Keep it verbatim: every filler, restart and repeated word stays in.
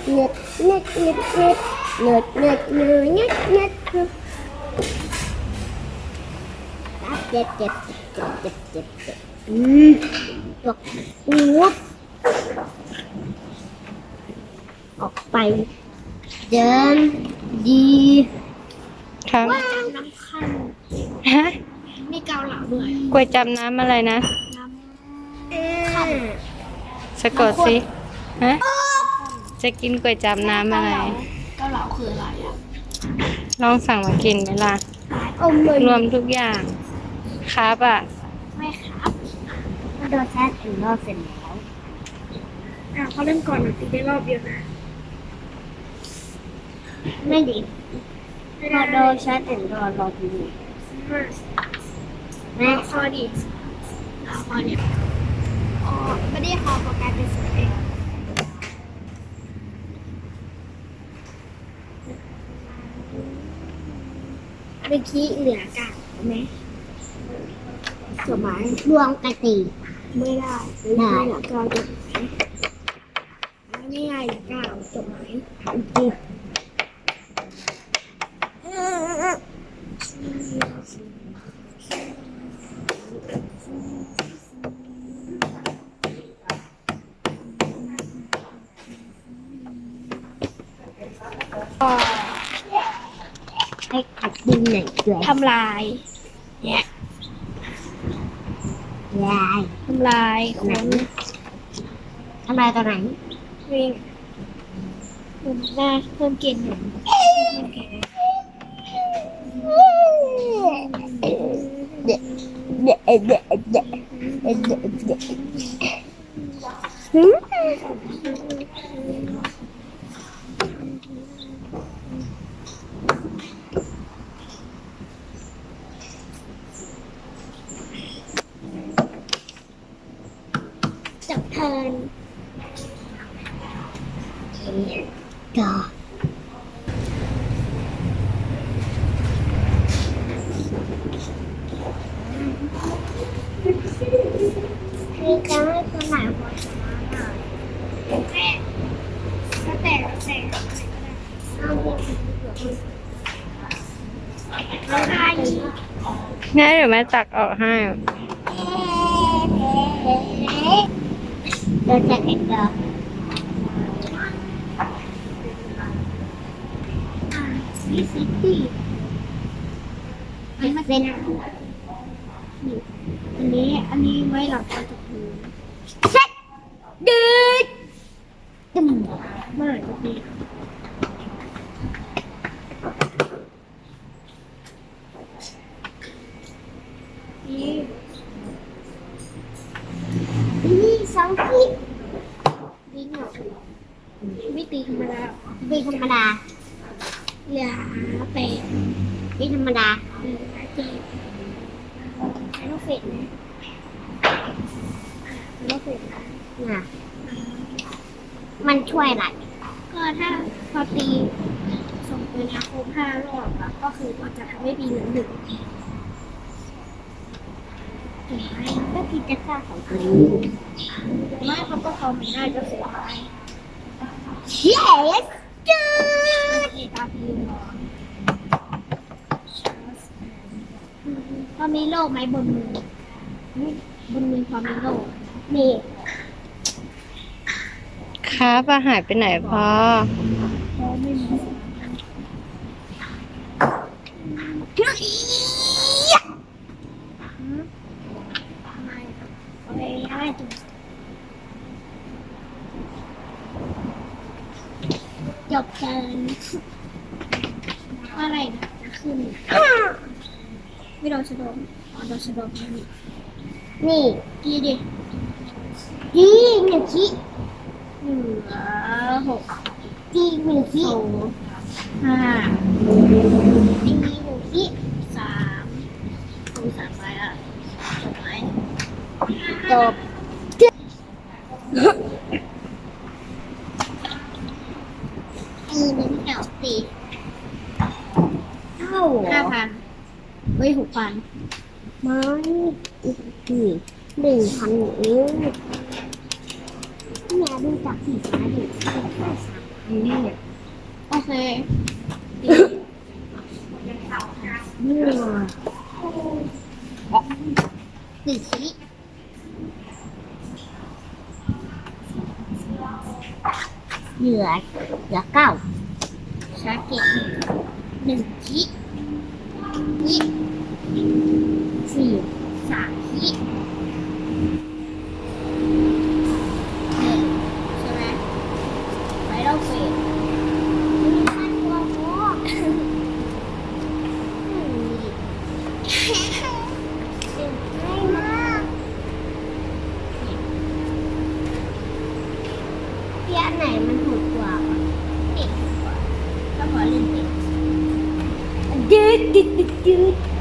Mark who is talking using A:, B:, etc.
A: เน็ตเน็ตเน็ตเน็ตเน็ตเน็ตเน็ตเน็ตเน็ตเน็ตเจ็บเจ็บเจ็บเจ็บเจ็บเจ็บอืมตกวุบออกไปเดินดี
B: ครับ
A: ว่าน้ำขั้น
B: ฮะ
A: มีเกาเหลาด้วย
B: ก๋วยจับน้ำอะไรนะ
A: น้ำขั้น
B: สะกดสิฮะจะกินก๋วยจับน้ำอะไร
A: เกาเหลาคืออะไรอ่ะ
B: ลองสั่งมากินไหมล่ะ
A: อมเลย
B: รวมทุกอย่างครับอ่ะ
A: ไม่ครับมันโดนแชทถึงรอบเสร็จแล้วอ่ะเขาเล่นก่อนหนึ่งตีได้รอบเดียวนะไม่ดีพอโดนแชทถึงรอบรอบนี้แม่พอดีเอาพอเนี่ยอ๋อไม่ได้ขอโปรแกรมเป็นสวยเมื่อกี้เหลือกากไหมจดหมายรวมกันตีไม่ได้ได้เหลือกาวจดหมายไม่ง่ายเหลือกาวจดหมายจีให้ขัดดินหน่อยด้วยทำลายเนี่ยยายทำลายคนทำลายตอนไหนวิ่งเพิ่มหน้าเพิ่มเกณฑ์หนึ่งเด็ดเด็ดเด็ดเด็ดเด็ดเด็ดเด็ดหืมจับเทินก็มีการให้คนไหนพอชนะอ่ะแม่ก็แต่แต่เอาเงินเราได้
B: งั้นเดี๋ยวแม่ตักออกให้
A: โดนจับเองก็นี่สิพี่อันนี้มาเซ็นอันนี้อันนี้ไว้หลังจากพื้นเซ็ตดืดตึมเมื่อไหร่จะดีนี่นี่สองทีวิ่งเหรอไม่ตีธรรมดาตีธรรมดาเหลือแปดตีธรรมดาเหลือเจ็ดใช้ลูกเฟดนะลูกเฟดนะมันช่วยอะไรก็ถ้าพอตีส่งไปนะครบห้ารอบอะก็คือมันจะทำให้ตีเหลือหนึ่งก็คิดจะฆ่าของตัวเองไม่เขาก็เขาไม่ได้ก็เสียไปเย้จืดตาพีพอมีโลกไหมบนมือบนมือพอมีโลกนี่
B: ครับอ่ะหายไปไหนพอ
A: พอไม่มีจบเกินอะไรนะจะขึ้นไม่โดนสะดมอ๋อโดนสะดมนี่นี่กี่ดิกี่หนึ่งกี่เหลือหกกี่หนึ่งกี่ห้ากี่หนึ่งกี่สามคูณสามไปอ่ะจบไหมจบอีหนึ่งแถวสี่เท่าห้าพันเฮ้ยหกพันไม่อีกสี่หนึ่งพันนิ้วแม่ดูจากสี่ฟ้าดิแค่สามพันอืมโอเคดีอืมหนึ่งขีเหลือเหลือเก้าชาเก็ตหนึ่งขีขีสี่สามขีหนึ่งใช่ไหมไฟเราเฟดมีขั้นตัวโค้งง่ายมากพี่อันไหนมันถูกกว่าเด็กถูกกว่าก็ขอเล่นเด็กดืดดืดดืด